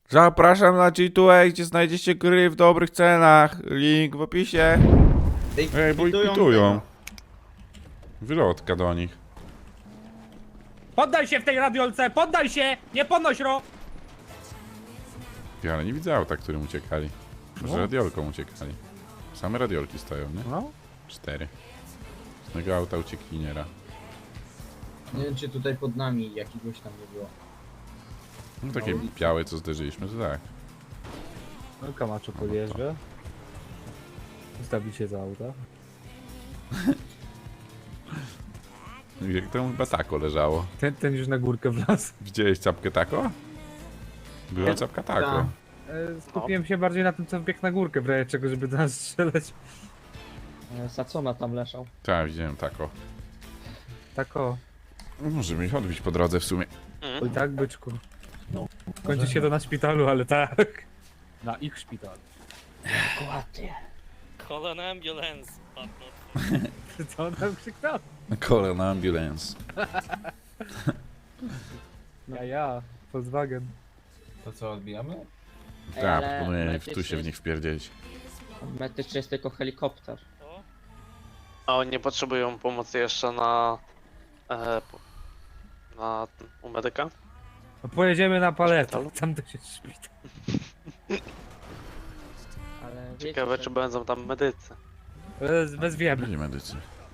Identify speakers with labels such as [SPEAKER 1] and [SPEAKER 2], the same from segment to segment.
[SPEAKER 1] Zapraszam na G2A, gdzie znajdziecie gry w dobrych cenach. Link w opisie. Ej, bo ich pitują. Wylotka do nich.
[SPEAKER 2] Poddaj się w tej radiolce, poddaj się! Nie podnoś ro!
[SPEAKER 1] Ja, ale nie widzę auta, którym uciekali. Może radiolką uciekali. Same radiolki stoją, nie?
[SPEAKER 2] No.
[SPEAKER 1] 4. Z tego auta uciekiniera.
[SPEAKER 3] Nie wiem, czy tutaj pod nami jakiegoś tam nie było.
[SPEAKER 1] No takie białe, co zderzyliśmy, to tak.
[SPEAKER 2] No Kamaczo podjeżdża. Ustawi się za auta.
[SPEAKER 1] Jak to chyba tako leżało.
[SPEAKER 2] Ten już na górkę wlazł.
[SPEAKER 1] Widziałeś czapkę tako? Była czapka tako.
[SPEAKER 2] Skupiłem się bardziej na tym, co wbiegł na górkę, w razie czego, żeby do nas strzelać.
[SPEAKER 3] Sacona tam leżał.
[SPEAKER 1] Tak, widziałem tako.
[SPEAKER 2] Tak o.
[SPEAKER 1] Możemy ich odbić po drodze w sumie.
[SPEAKER 2] Oj tak, byczku. Kończy się to na szpitalu, ale tak. Na ich szpitalu.
[SPEAKER 3] Dokładnie.
[SPEAKER 4] Call an ambulance, but not.
[SPEAKER 2] Co on tam krzyknął?
[SPEAKER 1] Call an ambulance.
[SPEAKER 2] Ja, Volkswagen.
[SPEAKER 5] To co, odbijamy?
[SPEAKER 1] Tak, proponuję tu się w nich wpierdzielić.
[SPEAKER 3] Medyczny jest tylko helikopter.
[SPEAKER 4] A oni nie potrzebują pomocy jeszcze na... u medyka?
[SPEAKER 2] No pojedziemy na paletę,
[SPEAKER 4] Szpitalu?
[SPEAKER 2] tam to się szpital.
[SPEAKER 3] Ale wiecie,
[SPEAKER 4] Ciekawe,
[SPEAKER 3] że
[SPEAKER 4] czy będą tam medycy.
[SPEAKER 2] Wezwiemy.
[SPEAKER 1] Byli medycy.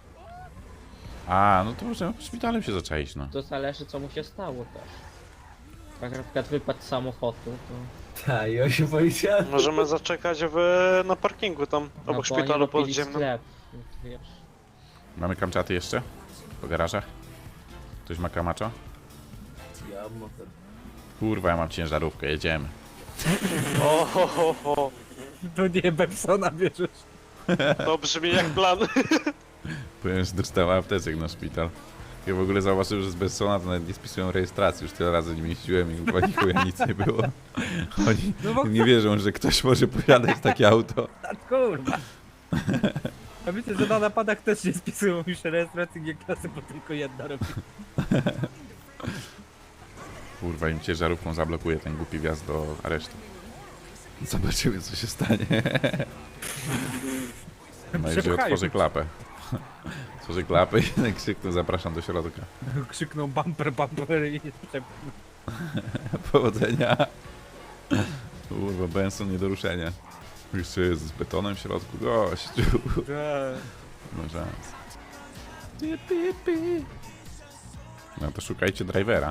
[SPEAKER 1] A, no to możemy szpitalem się zaczaić, no.
[SPEAKER 3] to zależy, co mu się stało też. Jak na przykład wypadł z samochodu, to...
[SPEAKER 5] Tak, i 8 policjantów.
[SPEAKER 4] Możemy zaczekać na parkingu tam,
[SPEAKER 3] No,
[SPEAKER 4] obok
[SPEAKER 3] bo oni
[SPEAKER 4] szpitalu
[SPEAKER 3] robili
[SPEAKER 4] podziemnym.
[SPEAKER 3] sklep, wiesz.
[SPEAKER 1] Mamy kamczaty jeszcze? Po garażach? Ktoś ma kamaczo?
[SPEAKER 5] Ja mam motor.
[SPEAKER 1] Kurwa, ja mam ciężarówkę, jedziemy.
[SPEAKER 4] O, ho, ho, ho.
[SPEAKER 2] To nie Bepsona bierzesz.
[SPEAKER 4] To brzmi jak plan.
[SPEAKER 1] Powiem, że dostałem apteczek na szpital. Ja w ogóle zauważyłem, że z Bessona to nawet nie spisują rejestracji. Już tyle razy nie jeździłem i chyba chuja nic nie było. Oni
[SPEAKER 2] No bo
[SPEAKER 1] nie wierzą, że ktoś może posiadać takie auto.
[SPEAKER 2] kurwa. A wiecie, że na napadach też nie spisują już rejestracji G-klasy, bo tylko jedna robi.
[SPEAKER 1] Kurwa, im ciężarówką zablokuje ten głupi wjazd do aresztu. Zobaczymy, co się stanie. No i że
[SPEAKER 2] Przepchają.
[SPEAKER 1] otworzy klapę. Otworzy klapę i krzyknę, zapraszam do środka.
[SPEAKER 2] Krzykną bumper i przepchną.
[SPEAKER 1] Powodzenia. Kurwa, Benson nie do ruszenia. Jeszcze jest z betonem w środku, gościu. No szans. No to szukajcie drivera.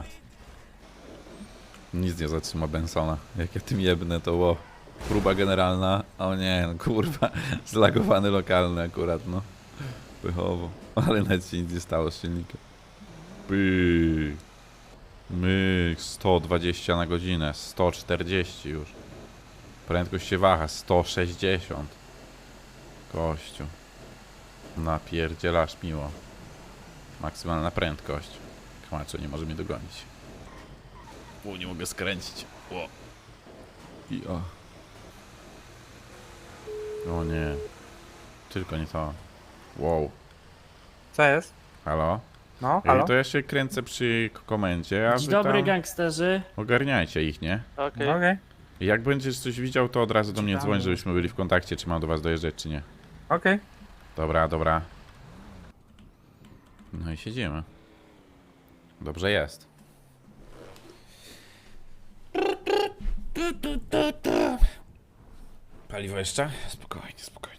[SPEAKER 1] Nic nie zatrzyma Bensona. Jak ja tym jebnę, to ło. Próba generalna. O nie, no kurwa. Zlagowany lokalny akurat, no. Pychowo. Ale nawet się nic nie stało z silnikiem. Pyk. Myk. 120 na godzinę. 140 już. Prędkość się waha. 160. Kościu. Napierdzielasz miło. Maksymalna prędkość. Kamaczo nie może mnie dogonić. Nie mogę skręcić. O. I o. O nie. Tylko nie to. Wow.
[SPEAKER 2] Co jest?
[SPEAKER 1] Halo?
[SPEAKER 2] No,
[SPEAKER 1] To ja się kręcę przy komendzie, a
[SPEAKER 6] Dzień
[SPEAKER 1] wy
[SPEAKER 6] dobry,
[SPEAKER 1] tam
[SPEAKER 6] gangsterzy.
[SPEAKER 1] ogarniajcie ich, nie?
[SPEAKER 4] Okej.
[SPEAKER 2] Okej.
[SPEAKER 1] Jak będziesz coś widział, to od razu do mnie
[SPEAKER 6] Ciekawe.
[SPEAKER 1] dzwoń, żebyśmy byli w kontakcie, czy mam do was dojeżdżać, czy nie.
[SPEAKER 2] Okej.
[SPEAKER 1] Dobra, dobra. No i siedzimy. Dobrze jest. Paliwo jeszcze? Spokojnie, spokojnie.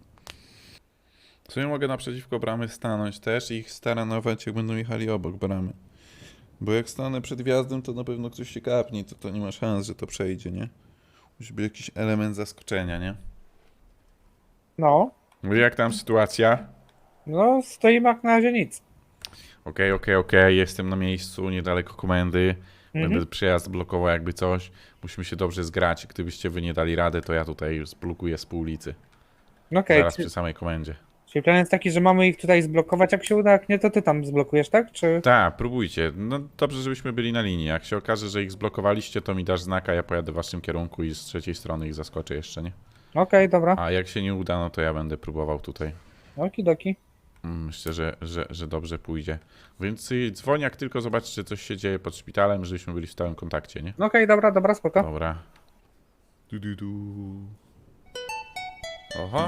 [SPEAKER 1] W sumie mogę naprzeciwko bramy stanąć też i ich staranować, jak będą jechali obok bramy. Bo jak stanę przed wjazdem, to na pewno ktoś się kapnie, to nie ma szans, że to przejdzie, nie? Musi być jakiś element zaskoczenia, nie?
[SPEAKER 2] No.
[SPEAKER 1] No i jak tam sytuacja?
[SPEAKER 2] No, stoimy jak na razie nic.
[SPEAKER 1] Okej, jestem na miejscu, niedaleko komendy.
[SPEAKER 2] Mhm.
[SPEAKER 1] Będę przejazd blokował jakby coś. Musimy się dobrze zgrać. Gdybyście wy nie dali radę, to ja tutaj zblokuję z pół ulicy.
[SPEAKER 2] Okej,
[SPEAKER 1] Zaraz przy samej komendzie.
[SPEAKER 2] czyli plan jest taki, że mamy ich tutaj zblokować, jak się uda, jak nie, to ty tam zblokujesz, tak? Czy...
[SPEAKER 1] Tak, próbujcie. No dobrze, żebyśmy byli na linii. Jak się okaże, że ich zblokowaliście, to mi dasz znaka, ja pojadę w waszym kierunku i z trzeciej strony ich zaskoczę jeszcze, nie?
[SPEAKER 2] Okej, dobra.
[SPEAKER 1] A jak się nie uda, no to ja będę próbował tutaj.
[SPEAKER 2] Okidoki.
[SPEAKER 1] Myślę, że dobrze pójdzie. Więc dzwoń, jak tylko zobaczycie, coś się dzieje pod szpitalem, żebyśmy byli w stałym kontakcie, nie?
[SPEAKER 2] Okej, dobra, spoko.
[SPEAKER 1] Dobra. Oho,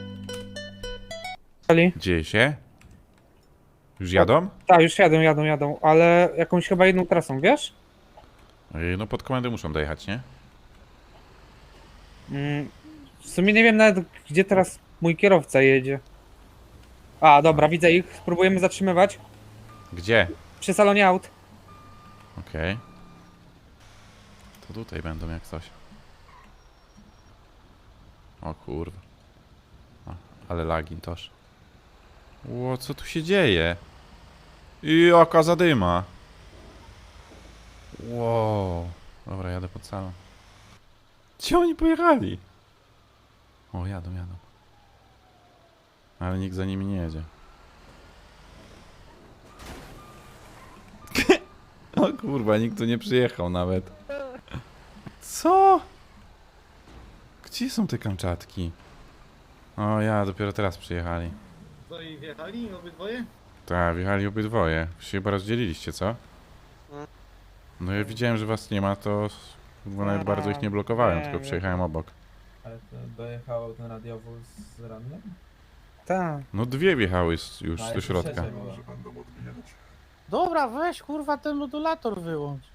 [SPEAKER 2] Ali?
[SPEAKER 1] dzieje się? Już jadą?
[SPEAKER 2] Tak, już jadą, ale jakąś chyba jedną trasą, wiesz?
[SPEAKER 1] No pod komendę muszą dojechać, nie?
[SPEAKER 2] W sumie nie wiem nawet, gdzie teraz mój kierowca jedzie. A, dobra, widzę ich. Spróbujemy zatrzymywać.
[SPEAKER 1] Gdzie?
[SPEAKER 2] Przy salonie aut.
[SPEAKER 1] Okej. To tutaj będą jak coś. O kurwa. Ale lagi toż. Ło, co tu się dzieje? I jaka zadyma. Wow. Dobra, jadę pod salą. Gdzie oni pojechali? O, jadą. Ale nikt za nimi nie jedzie. O kurwa, nikt tu nie przyjechał nawet. Co? Gdzie są te Kamczatki? O ja, dopiero teraz przyjechali.
[SPEAKER 6] No i wjechali obydwoje?
[SPEAKER 1] Tak, wjechali obydwoje. Wy się chyba rozdzieliliście, co? No ja widziałem, że was nie ma, to chyba nawet bardzo ich nie blokowałem,
[SPEAKER 2] nie,
[SPEAKER 1] tylko
[SPEAKER 2] nie.
[SPEAKER 1] przejechałem obok.
[SPEAKER 5] Ale to dojechał ten radiowóz z rannym?
[SPEAKER 2] Tak.
[SPEAKER 1] No dwie wjechały już
[SPEAKER 5] A,
[SPEAKER 1] do
[SPEAKER 5] jeszcze
[SPEAKER 1] środka.
[SPEAKER 5] trzecia była.
[SPEAKER 6] Dobra, weź kurwa ten modulator wyłącz.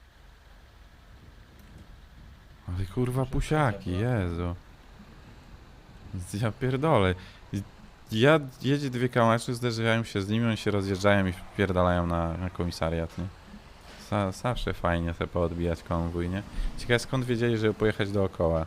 [SPEAKER 1] Ale kurwa pusiaki, Jezu. Ja pierdolę. Jedzie dwie kamaczy, zderzają się z nimi, oni się rozjeżdżają i wpierdalają na komisariat, nie? Zawsze fajnie sobie poodbijać konwój, nie? Ciekawe skąd wiedzieli, żeby pojechać dookoła.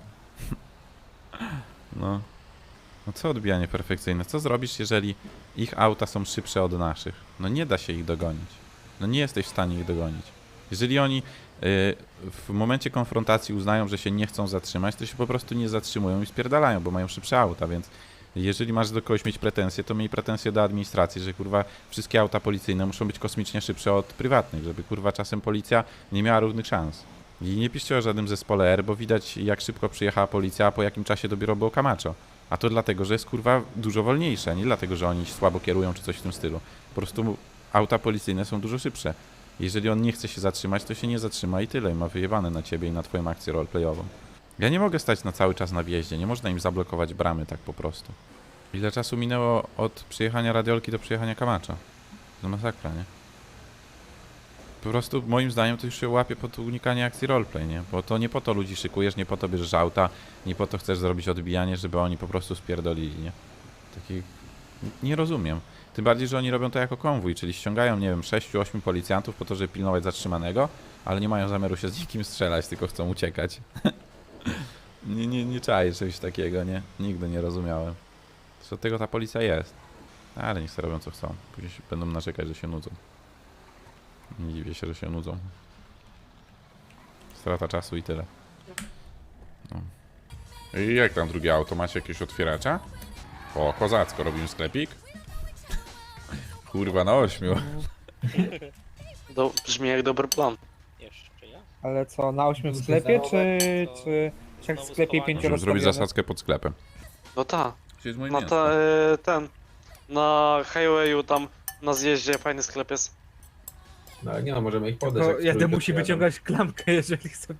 [SPEAKER 1] No. No co odbijanie perfekcyjne? Co zrobisz, jeżeli ich auta są szybsze od naszych? No nie da się ich dogonić. No nie jesteś w stanie ich dogonić. Jeżeli oni w momencie konfrontacji uznają, że się nie chcą zatrzymać, to się po prostu nie zatrzymują i spierdalają, bo mają szybsze auta, więc jeżeli masz do kogoś mieć pretensje, to miej pretensje do administracji, że kurwa wszystkie auta policyjne muszą być kosmicznie szybsze od prywatnych, żeby kurwa czasem policja nie miała równych szans. I nie piszcie o żadnym zespole R, bo widać jak szybko przyjechała policja, a po jakim czasie dopiero było Camacho. A to dlatego, że jest kurwa dużo wolniejsze, nie dlatego, że oni słabo kierują czy coś w tym stylu. Po prostu auta policyjne są dużo szybsze. Jeżeli on nie chce się zatrzymać, to się nie zatrzyma i tyle. Ma wyjebane na ciebie i na twoją akcję roleplayową. Ja nie mogę stać na cały czas na wjeździe, nie można im zablokować bramy tak po prostu. Ile czasu minęło od przyjechania radiolki do przyjechania Camacho? To masakra, nie? Po prostu moim zdaniem to już się łapie pod unikanie akcji roleplay, nie? Bo to nie po to ludzi szykujesz, nie po to bierzesz auta, nie po to chcesz zrobić odbijanie, żeby oni po prostu spierdolili, nie? Takich... Nie rozumiem. Tym bardziej, że oni robią to jako konwój, czyli ściągają, nie wiem, 6-8 policjantów po to, żeby pilnować zatrzymanego, ale nie mają zamiaru się z nikim strzelać, tylko chcą uciekać. nie czaję czegoś takiego, nie? Nigdy nie rozumiałem. Zresztą od tego ta policja jest. Ale niech sobie robią co chcą. Później się będą narzekać, że się nudzą. Nie dziwię się, że się nudzą. Strata czasu i tyle. No. I jak tam drugie auto? Macie jakieś otwieracza? O, kozacko, robimy sklepik. Kurwa, na 8.
[SPEAKER 4] Brzmi jak dobry plan.
[SPEAKER 3] Jeszcze ja?
[SPEAKER 2] Ale co, na 8 w
[SPEAKER 5] Muszę
[SPEAKER 2] sklepie,
[SPEAKER 5] zachować,
[SPEAKER 2] czy jak w
[SPEAKER 3] znowu
[SPEAKER 2] sklepie
[SPEAKER 3] schowanie.
[SPEAKER 2] 5
[SPEAKER 1] Możemy zrobić zasadzkę pod sklepem.
[SPEAKER 4] No ta,
[SPEAKER 1] Gdzie jest moje
[SPEAKER 4] na
[SPEAKER 1] mięsko?
[SPEAKER 4] na highwayu tam na zjeździe fajny sklep jest.
[SPEAKER 5] No ale nie no, możemy ich podejść. jak
[SPEAKER 2] jeden
[SPEAKER 5] trójkę
[SPEAKER 2] musi
[SPEAKER 5] przyjadą.
[SPEAKER 2] wyciągać klamkę, jeżeli chce.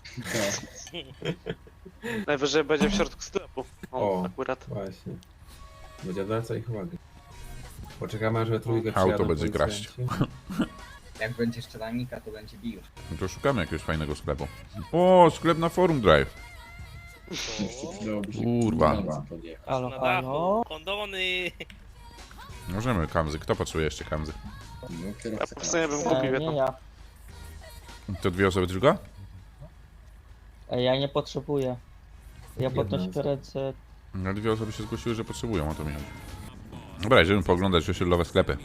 [SPEAKER 4] Najwyżej będzie w środku sklepu. O,
[SPEAKER 5] O.
[SPEAKER 4] akurat.
[SPEAKER 5] Właśnie. Będzie odwracał ich uwagę. Poczekamy, aż we trójkę
[SPEAKER 1] Auto
[SPEAKER 5] przyjadą
[SPEAKER 1] będzie
[SPEAKER 5] policjanci.
[SPEAKER 7] Jak będzie szczelanika, to będzie bił.
[SPEAKER 1] No to szukamy jakiegoś fajnego sklepu. O, sklep na Forum Drive. Kurwa.
[SPEAKER 2] Halo,
[SPEAKER 8] Na
[SPEAKER 2] halo.
[SPEAKER 8] dachu, kondony.
[SPEAKER 1] Możemy kamzy. Kto potrzebuje jeszcze kamzy?
[SPEAKER 4] Ja po prostu nie bym kupił
[SPEAKER 3] Nie
[SPEAKER 4] jedną.
[SPEAKER 3] ja.
[SPEAKER 1] To dwie osoby tylko?
[SPEAKER 3] Ja nie potrzebuję. Ja
[SPEAKER 5] Jedna
[SPEAKER 3] podnoszę
[SPEAKER 5] osoba.
[SPEAKER 3] ręce.
[SPEAKER 1] No dwie osoby się zgłosiły, że potrzebują, o to mi chodzi. Dobra, idziemy pooglądać osiedlowe sklepy.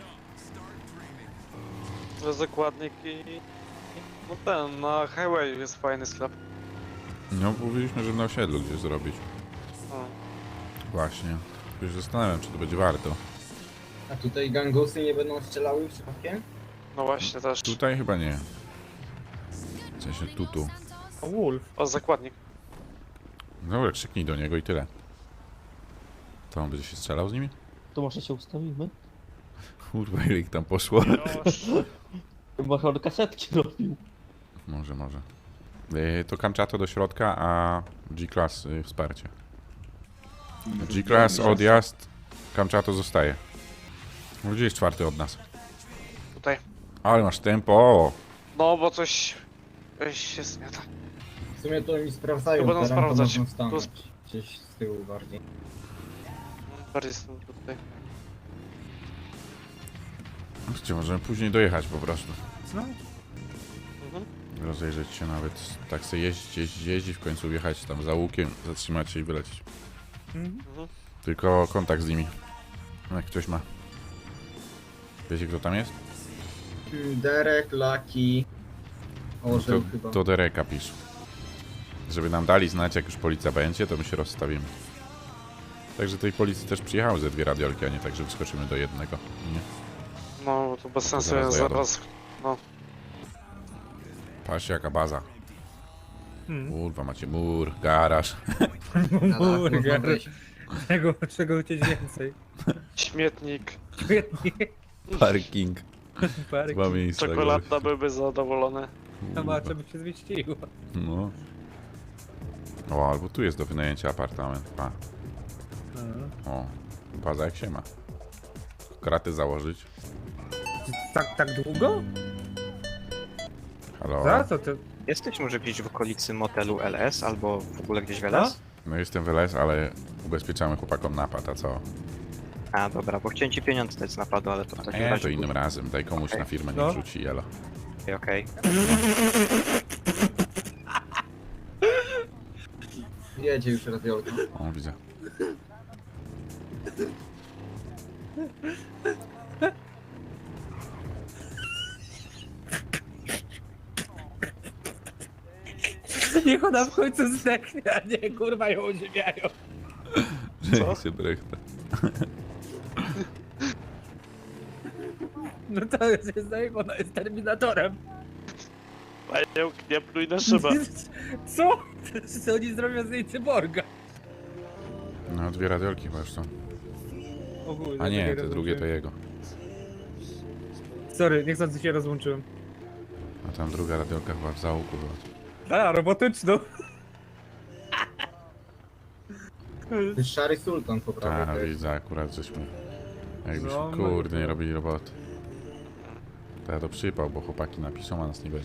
[SPEAKER 4] Zakładnik i... No ten, na highwayu jest fajny sklep.
[SPEAKER 1] No, mówiliśmy, żeby na osiedlu gdzieś zrobić.
[SPEAKER 4] O.
[SPEAKER 1] Właśnie. Już zastanawiam, czy to będzie warto.
[SPEAKER 7] A tutaj gangusy nie będą strzelały przypadkiem?
[SPEAKER 4] No właśnie też.
[SPEAKER 1] Tutaj chyba nie. W sensie tutu.
[SPEAKER 2] Wolf.
[SPEAKER 4] O, zakładnik.
[SPEAKER 1] Dobra, krzyknij do niego i tyle. To on będzie się strzelał z nimi?
[SPEAKER 3] To może się ustawimy?
[SPEAKER 1] Kurwa, ile ich tam poszło.
[SPEAKER 8] Już.
[SPEAKER 3] Chyba on kasetki robił.
[SPEAKER 1] Może. To Kamczato do środka, a G-Class wsparcie. G-Class odjazd, Kamczato zostaje. No, gdzie jest czwarty od nas?
[SPEAKER 4] Tutaj.
[SPEAKER 1] Ale masz tempo!
[SPEAKER 4] No bo coś się zmiata.
[SPEAKER 7] W sumie to oni sprawdzają,
[SPEAKER 4] To będą
[SPEAKER 7] teren, to
[SPEAKER 4] sprawdzać.
[SPEAKER 7] można stanąć.
[SPEAKER 4] Tu
[SPEAKER 7] Gdzieś z tyłu bardziej.
[SPEAKER 4] Bardziej jestem tutaj.
[SPEAKER 1] Gdzie możemy później dojechać po prostu.
[SPEAKER 2] No,
[SPEAKER 4] Mhm.
[SPEAKER 1] Rozejrzeć się nawet, tak sobie jeździć, w końcu wjechać tam za łukiem, zatrzymać się i wylecieć.
[SPEAKER 2] mhm.
[SPEAKER 4] Mhm.
[SPEAKER 1] Tylko kontakt z nimi. Jak ktoś ma. Wiecie kto tam jest?
[SPEAKER 7] Derek, Lucky, Orzeł chyba.
[SPEAKER 1] To Dereka pisz. Żeby nam dali znać, jak już policja będzie, to my się rozstawimy. Także tej policji też przyjechały ze 2 radiolki, a nie tak, że wyskoczymy do jednego. Nie?
[SPEAKER 4] No to bez sensu,
[SPEAKER 1] Zaraz
[SPEAKER 4] ja
[SPEAKER 1] dojadą.
[SPEAKER 4] zaraz... No.
[SPEAKER 1] Patrzcie jaka baza.
[SPEAKER 2] Mhm.
[SPEAKER 1] Kurwa, macie mur, garaż.
[SPEAKER 7] Na dach można
[SPEAKER 2] Burger.
[SPEAKER 7] wejść.
[SPEAKER 2] Czego chcieć więcej?
[SPEAKER 4] Śmietnik,
[SPEAKER 2] Świetnie.
[SPEAKER 1] Parking.
[SPEAKER 2] Parek.
[SPEAKER 1] 2 miejsca.
[SPEAKER 4] czekolada byłby zadowolony.
[SPEAKER 2] Zobaczę, by się zmieściło.
[SPEAKER 1] No. O, albo tu jest do wynajęcia apartament. Pa. O, baza jak się ma. Kraty założyć.
[SPEAKER 2] Tak długo?
[SPEAKER 1] Halo.
[SPEAKER 2] Za co ty?
[SPEAKER 8] Jesteś może gdzieś w okolicy motelu LS albo w ogóle gdzieś w LS?
[SPEAKER 1] No jestem w LS, ale ubezpieczamy chłopakom napad, a co?
[SPEAKER 8] A dobra, bo chciałem ci pieniądze dać z napadu, ale to w takim
[SPEAKER 1] Nie,
[SPEAKER 8] razie...
[SPEAKER 1] to innym razem. Daj komuś
[SPEAKER 8] Okej.
[SPEAKER 1] na firmę,
[SPEAKER 2] No.
[SPEAKER 1] nie wrzuci jelo.
[SPEAKER 8] Okej.
[SPEAKER 7] Jedzie już radiolka.
[SPEAKER 1] O, widzę.
[SPEAKER 2] Niech ona w końcu zdechnie, a nie kurwa ją uziemiają.
[SPEAKER 1] Że się brechta.
[SPEAKER 2] No to jest zdaje, ona jest Terminatorem.
[SPEAKER 4] Pająk, nie pluj na szybę.
[SPEAKER 2] Co? Co oni zrobią z niej cyborga?
[SPEAKER 1] No, 2 radiolki chyba już są.
[SPEAKER 2] Ogólnie,
[SPEAKER 1] A nie,
[SPEAKER 2] takie
[SPEAKER 1] te drugie to
[SPEAKER 2] rozłączyłem.
[SPEAKER 1] jego.
[SPEAKER 2] Sorry, niechcący się rozłączyłem.
[SPEAKER 1] A tam druga radiolka chyba w załuku była.
[SPEAKER 2] A, robotyczną.
[SPEAKER 7] To jest Szary Sultan po prawej
[SPEAKER 1] Tak,
[SPEAKER 7] też.
[SPEAKER 1] widzę, akurat żeśmy... Jakbyśmy,
[SPEAKER 2] No,
[SPEAKER 1] kurde, nie
[SPEAKER 2] no.
[SPEAKER 1] robili roboty. To ja to przypał, bo chłopaki napiszą, a nas nie będzie.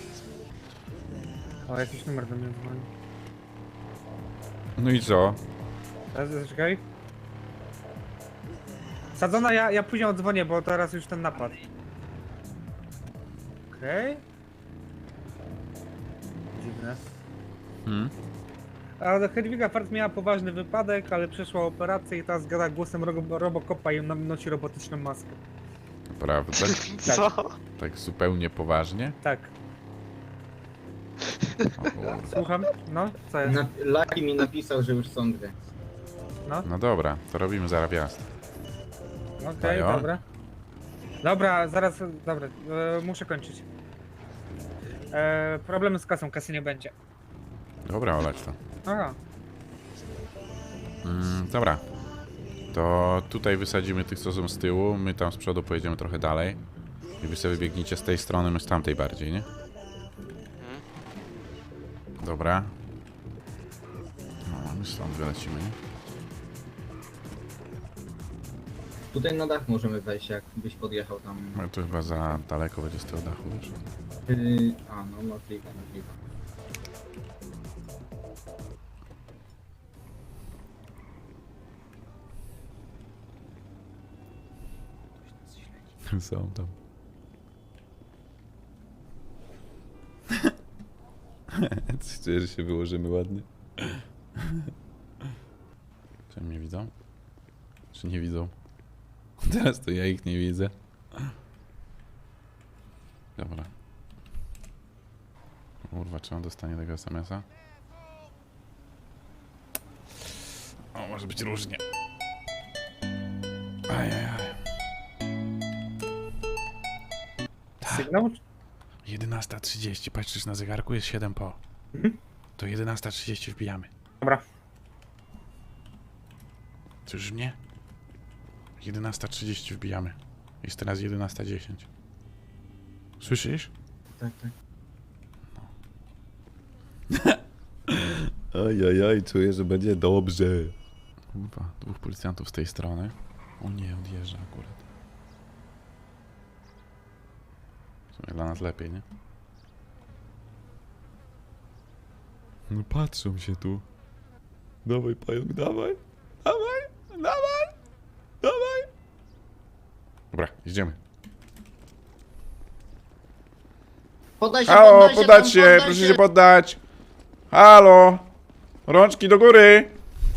[SPEAKER 2] O, jakiś numer do mnie dzwoni.
[SPEAKER 1] No i co?
[SPEAKER 2] Teraz zaczekaj. Sadzona, ja później odzwonię, bo teraz już ten napad. Okej. Dziwne.
[SPEAKER 1] Hmm?
[SPEAKER 2] A Hedwiga Fart miała poważny wypadek, ale przeszła operację i teraz gada głosem Robocopa i nam nosi robotyczną maskę.
[SPEAKER 1] Prawda?
[SPEAKER 4] Co?
[SPEAKER 1] Tak zupełnie poważnie?
[SPEAKER 2] Tak,
[SPEAKER 1] O kurwa.
[SPEAKER 2] słucham. No, co jest?
[SPEAKER 7] Lucky mi napisał, że już są 2.
[SPEAKER 1] No dobra, to robimy zaraz wjazd.
[SPEAKER 2] Okej,
[SPEAKER 1] Tajo?
[SPEAKER 2] dobra. Dobra, zaraz, dobra, muszę kończyć. Problemy z kasą, kasy nie będzie.
[SPEAKER 1] Dobra, olać to.
[SPEAKER 2] Aha.
[SPEAKER 1] Dobra. To tutaj wysadzimy tych, co są z tyłu, my tam z przodu pojedziemy trochę dalej. I wy sobie biegniecie z tej strony, my z tamtej bardziej, nie? Dobra. No, my stąd wylecimy, nie?
[SPEAKER 7] Tutaj na dach możemy wejść, jakbyś podjechał tam.
[SPEAKER 1] No to chyba za daleko będzie z tego dachu, wiesz?
[SPEAKER 7] A no, możliwe.
[SPEAKER 1] Są tam. Czuję, że się wyłożymy ładnie. Czy mnie widzą? Czy nie widzą? Teraz to ja ich nie widzę. Dobra. Kurwa, czy on dostanie tego SMS-a? O, może być różnie. Ajajaj.
[SPEAKER 2] Sygnał?
[SPEAKER 1] 11:30, patrzysz na zegarku, jest 7 po. To 11:30 wbijamy.
[SPEAKER 2] Dobra.
[SPEAKER 1] Czyż nie? 11:30 wbijamy. Jest teraz 11:10. Słyszysz?
[SPEAKER 7] Tak, tak.
[SPEAKER 1] Ojojoj, czuję, że będzie dobrze. Kurwa, 2 policjantów z tej strony. O nie, odjeżdża akurat. W sumie dla nas lepiej, nie? No patrzą się tu. Dawaj, pająk, dawaj. Dawaj, dawaj, dawaj. Dobra, jedziemy.
[SPEAKER 7] Podaj się,
[SPEAKER 1] Halo, podać się, proszę się poddać. Halo, rączki do góry.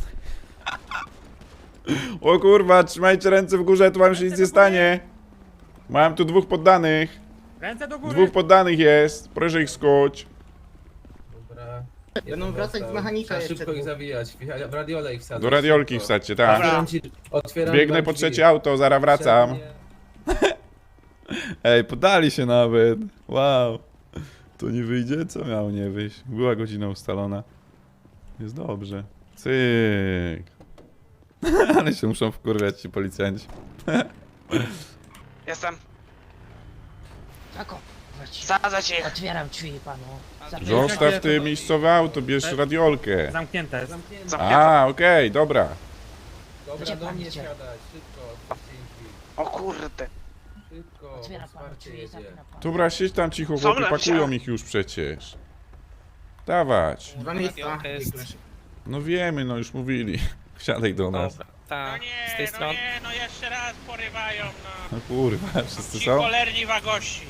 [SPEAKER 1] O kurwa, trzymajcie ręce w górze, tu wam się nic nie stanie. Mam tu 2 poddanych.
[SPEAKER 2] Ręce do góry!
[SPEAKER 1] 2 poddanych jest, proszę ich skuć.
[SPEAKER 5] Dobra.
[SPEAKER 7] Będą wracać z mechanika
[SPEAKER 5] Trzeba
[SPEAKER 7] jeszcze
[SPEAKER 5] szybko ich
[SPEAKER 7] tu.
[SPEAKER 5] zawijać. W radiole ich wsadzać.
[SPEAKER 1] Do radiolki
[SPEAKER 5] szybko.
[SPEAKER 1] wsadźcie, tak.
[SPEAKER 5] Otwieram
[SPEAKER 1] Biegnę
[SPEAKER 5] wam
[SPEAKER 1] po
[SPEAKER 5] drzwi.
[SPEAKER 1] 3 auto, zaraz wracam.
[SPEAKER 5] Przednie.
[SPEAKER 1] Ej, podali się nawet. Wow. To nie wyjdzie? Co miało nie wyjść? Była godzina ustalona. Jest dobrze. Cyk. Ale się muszą wkurwiać ci policjanci.
[SPEAKER 4] Jestem.
[SPEAKER 9] Tako, właściwie.
[SPEAKER 4] Sadzać ich.
[SPEAKER 9] Otwieram drzwi panu.
[SPEAKER 1] Zostaw ty miejscowe auto, bierz radiolkę.
[SPEAKER 2] Zamknięte.
[SPEAKER 4] Zamknięte.
[SPEAKER 1] A, okej, dobra.
[SPEAKER 5] Dobra,
[SPEAKER 9] Gdzie
[SPEAKER 5] do
[SPEAKER 9] pan
[SPEAKER 5] mnie
[SPEAKER 9] idzie?
[SPEAKER 5] siadać. Szybko, otwórzcie im drzwi.
[SPEAKER 4] O kurde.
[SPEAKER 5] Szybko,
[SPEAKER 9] Otwieram
[SPEAKER 5] bo
[SPEAKER 9] panu
[SPEAKER 5] wsparcie
[SPEAKER 9] drzwi i
[SPEAKER 5] jedzie.
[SPEAKER 9] zamknę pan.
[SPEAKER 1] Dobra, siedź tam cicho,
[SPEAKER 4] Są
[SPEAKER 1] chłopie,
[SPEAKER 4] lepsze.
[SPEAKER 1] pakują ich już przecież. Dawać.
[SPEAKER 7] 2 miejsca.
[SPEAKER 1] No wiemy, no już mówili. Wsiadaj do nas.
[SPEAKER 10] Tak, z tej strony.
[SPEAKER 6] no jeszcze raz porywają, no.
[SPEAKER 1] No kurwa, wszyscy
[SPEAKER 6] Ci
[SPEAKER 1] są?
[SPEAKER 6] cholerni wagości.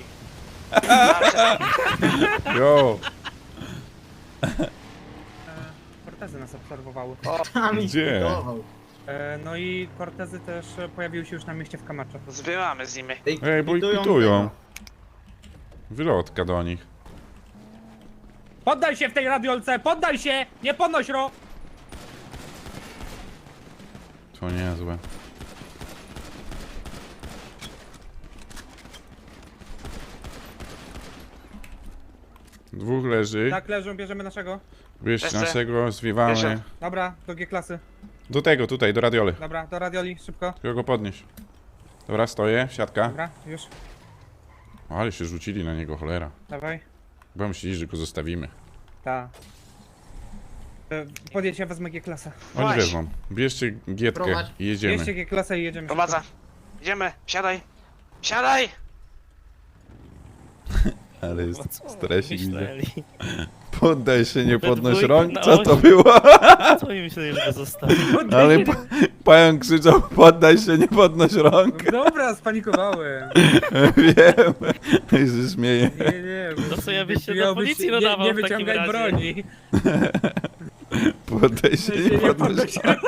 [SPEAKER 1] Jo,
[SPEAKER 2] Kortezy nas obserwowały.
[SPEAKER 1] gdzie?
[SPEAKER 2] No i kortezy też pojawiły się już na mieście w Kamacze.
[SPEAKER 4] Zbieramy z nimi.
[SPEAKER 1] Ej, bo ich pitują. Wylotka do nich.
[SPEAKER 2] Poddaj się w tej radiolce! Poddaj się! Nie podnoś ro!
[SPEAKER 1] To niezłe. Dwóch leży.
[SPEAKER 2] Tak, leżą, bierzemy naszego.
[SPEAKER 1] Bierz
[SPEAKER 4] Jeszcze.
[SPEAKER 1] naszego, zwiewamy.
[SPEAKER 4] Jeszcze.
[SPEAKER 2] Dobra, do G-klasy.
[SPEAKER 1] Do tego, tutaj, do radioli.
[SPEAKER 2] Dobra, do radioli, szybko.
[SPEAKER 1] Tylko go podnieś. Dobra, stoję, siatka.
[SPEAKER 2] Dobra, już.
[SPEAKER 1] O, ale się rzucili na niego, cholera.
[SPEAKER 2] Dawaj.
[SPEAKER 1] Bo myśleli, że go zostawimy.
[SPEAKER 2] Ta. Podjedź, ja wezmę G-klasę.
[SPEAKER 1] Oni
[SPEAKER 4] Właśnie.
[SPEAKER 1] wezmą. Bierzcie gietkę
[SPEAKER 7] Prowadź.
[SPEAKER 1] i jedziemy.
[SPEAKER 2] Bierzcie G-klasę i jedziemy.
[SPEAKER 4] Prowadzę. Idziemy. Siadaj. Siadaj.
[SPEAKER 1] Ale jest
[SPEAKER 10] Co
[SPEAKER 1] stresik, widzę.
[SPEAKER 10] myśleli?
[SPEAKER 1] Poddaj się, nie podnoś
[SPEAKER 10] dwójkę
[SPEAKER 1] rąk.
[SPEAKER 10] na
[SPEAKER 1] Co to
[SPEAKER 10] osi.
[SPEAKER 1] było?
[SPEAKER 10] Co oni myśleli, że go zostawił?
[SPEAKER 1] Ale pająk krzyczał, poddaj się, nie podnoś rąk.
[SPEAKER 2] Dobra, spanikowałem.
[SPEAKER 1] Wiem. I się śmieje.
[SPEAKER 2] Nie.
[SPEAKER 10] To co ja byś się do
[SPEAKER 2] miałbyś-
[SPEAKER 10] policji
[SPEAKER 2] nie,
[SPEAKER 10] nadawał
[SPEAKER 2] nie
[SPEAKER 10] w takim
[SPEAKER 2] wyciągaj
[SPEAKER 10] razie.
[SPEAKER 2] broni.
[SPEAKER 1] Poddaj się, nie podnoś rąk.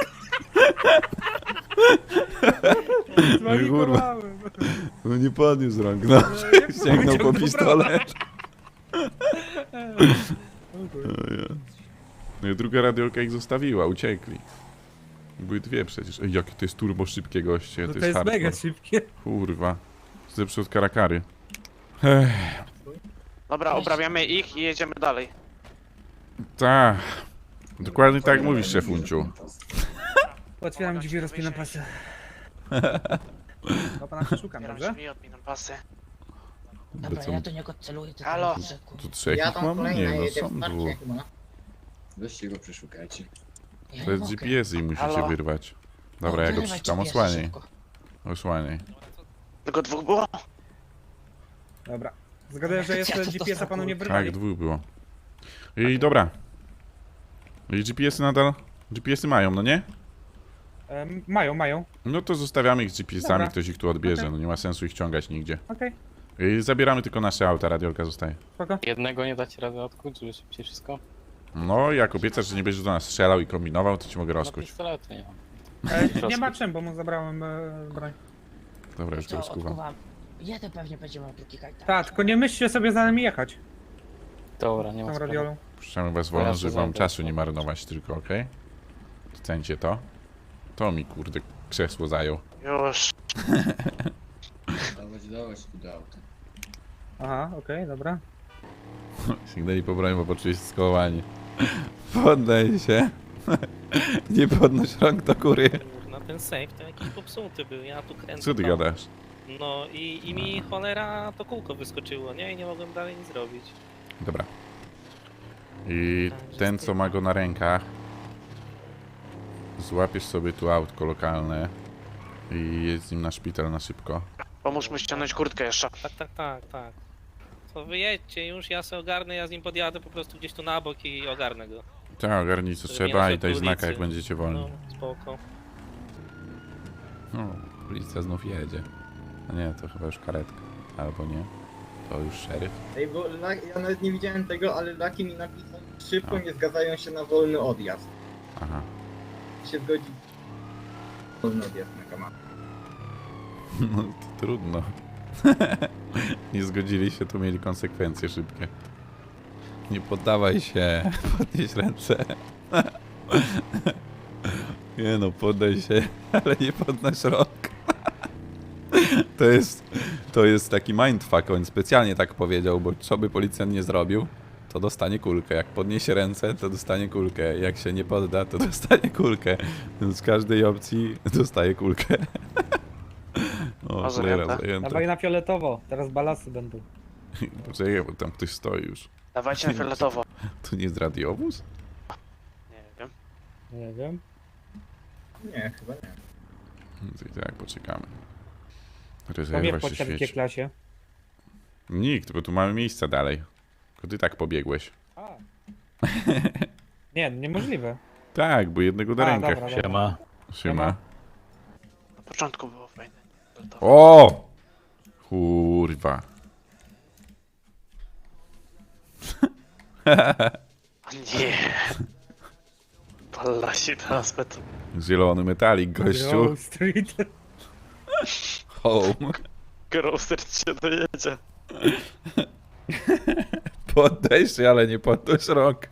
[SPEAKER 2] Spanikowałem.
[SPEAKER 1] No nie podniósł rąk, no. Sięgnął po pistolet. No i druga radiolka ich zostawiła, uciekli. Były 2 przecież. Ej, jakie to jest turbo szybkie goście,
[SPEAKER 2] No
[SPEAKER 1] to
[SPEAKER 2] to jest
[SPEAKER 1] hardcore.
[SPEAKER 2] mega szybkie.
[SPEAKER 1] Kurwa. Zepsuł od karakary.
[SPEAKER 4] Dobra, obrabiamy ich i jedziemy dalej.
[SPEAKER 1] Tak. Dokładnie tak jak mówisz, szefunciu.
[SPEAKER 2] Otwieram drzwi, rozpinam pasy. No pana szukam,
[SPEAKER 4] Otwieram
[SPEAKER 2] dobrze?
[SPEAKER 4] drzwi, odpinam pasy.
[SPEAKER 9] Dobra,
[SPEAKER 1] Co?
[SPEAKER 9] ja do niego celuję. tylko
[SPEAKER 4] Halo?
[SPEAKER 9] na rzeku.
[SPEAKER 1] Tu 3
[SPEAKER 7] Ja
[SPEAKER 1] ich
[SPEAKER 7] tam
[SPEAKER 1] mam?
[SPEAKER 7] kolejna
[SPEAKER 1] Nie, no
[SPEAKER 7] jedzie
[SPEAKER 1] są
[SPEAKER 7] wsparcie
[SPEAKER 1] 2.
[SPEAKER 7] chyba.
[SPEAKER 5] Weźcie go, przeszukajcie.
[SPEAKER 9] Ja
[SPEAKER 1] To
[SPEAKER 9] nie
[SPEAKER 1] jest
[SPEAKER 9] mogę.
[SPEAKER 1] GPS i musicie
[SPEAKER 4] Halo?
[SPEAKER 1] wyrwać.
[SPEAKER 9] No,
[SPEAKER 1] Dobra, ja go
[SPEAKER 9] wyrywaj
[SPEAKER 1] przeczytam,
[SPEAKER 9] GPS-a
[SPEAKER 1] osłaniaj.
[SPEAKER 9] szybko.
[SPEAKER 1] Osłaniaj.
[SPEAKER 4] Tylko 2 było?
[SPEAKER 2] Dobra. Zgaduję, że
[SPEAKER 9] Ja
[SPEAKER 2] jeszcze
[SPEAKER 9] to
[SPEAKER 2] GPS-a panu nie
[SPEAKER 1] Tak,
[SPEAKER 2] wyrwali.
[SPEAKER 1] 2 było. I dobra. I GPS-y nadal? GPS-y mają, no nie?
[SPEAKER 2] Mają.
[SPEAKER 1] No to zostawiamy ich z GPS-ami,
[SPEAKER 2] Dobra.
[SPEAKER 1] ktoś ich tu odbierze,
[SPEAKER 2] Okej.
[SPEAKER 1] no nie ma sensu ich ciągać nigdzie.
[SPEAKER 2] Okej,
[SPEAKER 1] I zabieramy tylko nasze auta, radiolka zostaje.
[SPEAKER 2] spoko.
[SPEAKER 10] Jednego nie dacie rady odkuć, żeby szybciej wszystko?
[SPEAKER 1] No, jak obiecasz, że nie będziesz do nas strzelał i kombinował, to ci mogę
[SPEAKER 10] No
[SPEAKER 1] rozkuć.
[SPEAKER 10] pistoletu nie mam.
[SPEAKER 2] Nie ma czym, bo mu zabrałem broń.
[SPEAKER 1] Dobra, już go
[SPEAKER 9] To
[SPEAKER 1] rozkuwam.
[SPEAKER 9] odkuwam. Jeden pewnie będzie miał drugi kajtan.
[SPEAKER 2] Tak, tylko nie myślcie sobie za nami jechać.
[SPEAKER 10] Dobra, nie ma
[SPEAKER 2] Tą
[SPEAKER 10] sprawy.
[SPEAKER 2] radiolą.
[SPEAKER 1] Puszczamy was wolno,
[SPEAKER 10] Teraz
[SPEAKER 1] żeby
[SPEAKER 10] się
[SPEAKER 1] wam
[SPEAKER 10] zajdę.
[SPEAKER 1] czasu nie marnować tylko, okej? Docencie to. To mi, kurde, krzesło zajął.
[SPEAKER 4] Już.
[SPEAKER 5] Dawać tu do auta.
[SPEAKER 2] Aha, okej, dobra.
[SPEAKER 1] Sięgnęli po broń, bo poczuli się skołowani. Poddaj się. Nie podnoś rąk do góry.
[SPEAKER 10] Na ten safe to jakiś popsuty był, ja tu kręcę.
[SPEAKER 1] Co ty
[SPEAKER 10] tam.
[SPEAKER 1] gadasz?
[SPEAKER 10] No i mi cholera to kółko wyskoczyło, nie? I nie mogłem dalej nic zrobić.
[SPEAKER 1] Dobra. I ten, co ma go na rękach, złapiesz sobie tu autko lokalne i jedź z nim na szpital na szybko.
[SPEAKER 4] Pomóż mu ściągnąć kurtkę jeszcze.
[SPEAKER 10] Tak. To wyjedźcie już, ja se ogarnę, ja z nim podjadę po prostu gdzieś tu na bok i ogarnę go.
[SPEAKER 1] Tak, ogarnij co
[SPEAKER 10] Żeby
[SPEAKER 1] trzeba
[SPEAKER 10] nie
[SPEAKER 1] i
[SPEAKER 10] naszedł
[SPEAKER 1] daj
[SPEAKER 10] do
[SPEAKER 1] znaka, jak
[SPEAKER 10] ulicy.
[SPEAKER 1] będziecie wolni.
[SPEAKER 10] No, spoko.
[SPEAKER 1] No, policja znów jedzie. A nie, to chyba już karetka. Albo nie. To już szeryf.
[SPEAKER 7] Ej, bo ja nawet nie widziałem tego, ale Laki mi napisał, szybko
[SPEAKER 1] A.
[SPEAKER 7] nie zgadzają się na wolny odjazd.
[SPEAKER 1] Aha.
[SPEAKER 7] Się zgodzi. Wolny odjazd na kamerę.
[SPEAKER 1] No to trudno. Nie zgodzili się, to mieli konsekwencje szybkie. Nie poddawaj się. Podnieś ręce. Nie no, poddaj się, ale nie podnoś rąk. To jest taki mindfuck, on specjalnie tak powiedział, bo co by policjant nie zrobił, to dostanie kulkę. Jak podniesie ręce, to dostanie kulkę. Jak się nie podda, to dostanie kulkę. Więc z każdej opcji dostaje kulkę. O,
[SPEAKER 4] A
[SPEAKER 1] cholera,
[SPEAKER 4] zajęte?
[SPEAKER 1] zajęte.
[SPEAKER 2] Dawaj na fioletowo, teraz balasy będą.
[SPEAKER 1] Poczekaj, bo tam ktoś stoi już.
[SPEAKER 4] Dawajcie na fioletowo.
[SPEAKER 1] To nie jest radiowóz?
[SPEAKER 4] Nie wiem.
[SPEAKER 2] Nie wiem.
[SPEAKER 7] Nie, chyba nie.
[SPEAKER 1] To i tak, poczekamy.
[SPEAKER 2] Tam
[SPEAKER 1] Rezerwa
[SPEAKER 2] jak
[SPEAKER 1] się
[SPEAKER 2] po ciebie
[SPEAKER 1] świeci.
[SPEAKER 2] klasie.
[SPEAKER 1] Nikt, bo tu mamy miejsca dalej. Tylko ty tak pobiegłeś.
[SPEAKER 2] A. Nie, niemożliwe.
[SPEAKER 1] Tak, bo jednego do
[SPEAKER 2] A,
[SPEAKER 1] rękach.
[SPEAKER 2] dobra, dobra.
[SPEAKER 1] Siema.
[SPEAKER 4] Na początku było fajne.
[SPEAKER 1] O! Kurwa.
[SPEAKER 4] O nie. Pala się teraz beton.
[SPEAKER 1] Zielony metalik, gościu.
[SPEAKER 2] Grove Street.
[SPEAKER 1] Home.
[SPEAKER 4] Grocer cię dojedzie.
[SPEAKER 1] Poddaj się, ale nie podnoś rąk.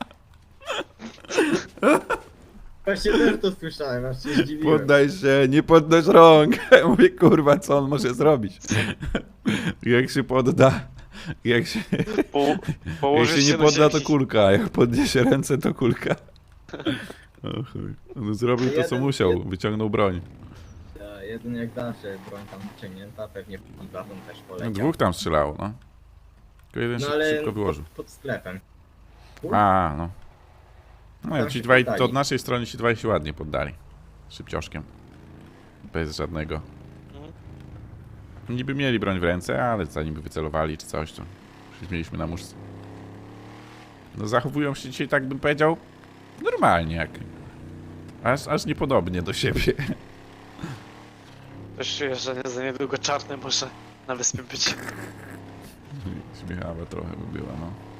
[SPEAKER 7] Właśnie też to słyszałem, aż się zdziwiłem.
[SPEAKER 1] Poddaj się, nie podnoś rąk. Mówię, kurwa, co on może zrobić? Jak się podda, jak się
[SPEAKER 4] Położysz
[SPEAKER 1] nie
[SPEAKER 4] się
[SPEAKER 1] podda,
[SPEAKER 4] na
[SPEAKER 1] to
[SPEAKER 4] ziemi.
[SPEAKER 1] kulka, a jak podniesie ręce, to kulka. O chuj. On zrobił to, co musiał, wyciągnął broń.
[SPEAKER 7] Jeden jak zawsze, broń tam wyciągnięta, pewnie w baton też
[SPEAKER 1] No,
[SPEAKER 7] poleciał.
[SPEAKER 1] dwóch tam strzelało, no. Tylko jeden
[SPEAKER 7] No
[SPEAKER 1] się
[SPEAKER 7] ale
[SPEAKER 1] szybko wyłożył.
[SPEAKER 7] pod sklepem.
[SPEAKER 1] A, no. No,
[SPEAKER 7] Tam
[SPEAKER 1] ci
[SPEAKER 7] się
[SPEAKER 1] dwaj, to
[SPEAKER 7] poddali.
[SPEAKER 1] od naszej strony ci dwaj się ładnie poddali. Szybcioszkiem. Bez żadnego.
[SPEAKER 4] Mhm.
[SPEAKER 1] Niby mieli broń w ręce, ale zanim by wycelowali czy coś, to już mieliśmy na muszce. No zachowują się dzisiaj, tak bym powiedział, normalnie jak... Aż niepodobnie do siebie.
[SPEAKER 4] Też czuję, że za niedługo czarny może na wyspie być.
[SPEAKER 1] Śmiechawa trochę by była, no.